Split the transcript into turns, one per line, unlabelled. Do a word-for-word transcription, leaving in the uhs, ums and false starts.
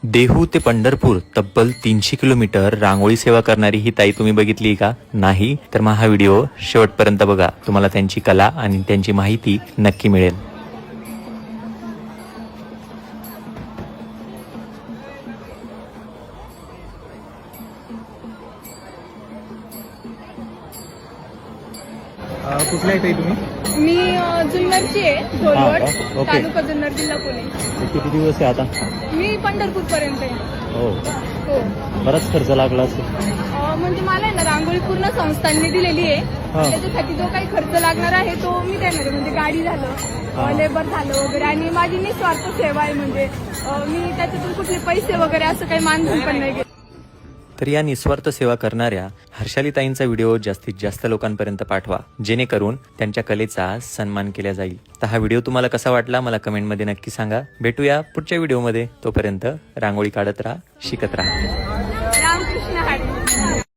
देहू ते पंढरपूर तब्बल तीनशे किलोमीटर रांगोळी सेवा करणारी ही ताई तुम्ही बघितली का? नाही तर मग हा व्हिडिओ शेवटपर्यंत बघा, तुम्हाला त्यांची कला आणि त्यांची माहिती नक्की मिळेल.
कुठल्या आहे तुम्ही?
मी अ, जुन्नरची आहे,
हा
ढोलवड,
का? ओके.
तालुका जुन्नर, जिल्हा पुणे.
किती दिवस आहे आता?
मी पंढरपूर पर्यंत आहे.
हो,
हो.
बराच खर्च लागला असेल.
अ, म्हणजे मला आहे ना रांगोळी पूर्ण संस्थांनी दिलेली आहे.
हा.
त्याच्यासाठी जो काही खर्च लागणार आहे तो मी देणार आहे. म्हणजे गाडी झालं,
हा.
अ, लेबर झालं वगैरे, आणि माझी निस्वार्थ सेवा आहे. म्हणजे अ, मी त्याच्यातून कुठले पैसे वगैरे असं काही मानधन पण नाही घेत.
तर या निस्वार्थ सेवा करणाऱ्या हर्षालीताईंचा व्हिडिओ जास्तीत जास्त लोकांपर्यंत पाठवा, जेणेकरून त्यांच्या कलेचा सन्मान केला जाईल. तर हा व्हिडिओ तुम्हाला कसा वाटला मला कमेंटमध्ये नक्की सांगा. भेटूया पुढच्या व्हिडिओमध्ये. तोपर्यंत रांगोळी काढत राहा, शिकत राहा.
रामकृष्ण हरी.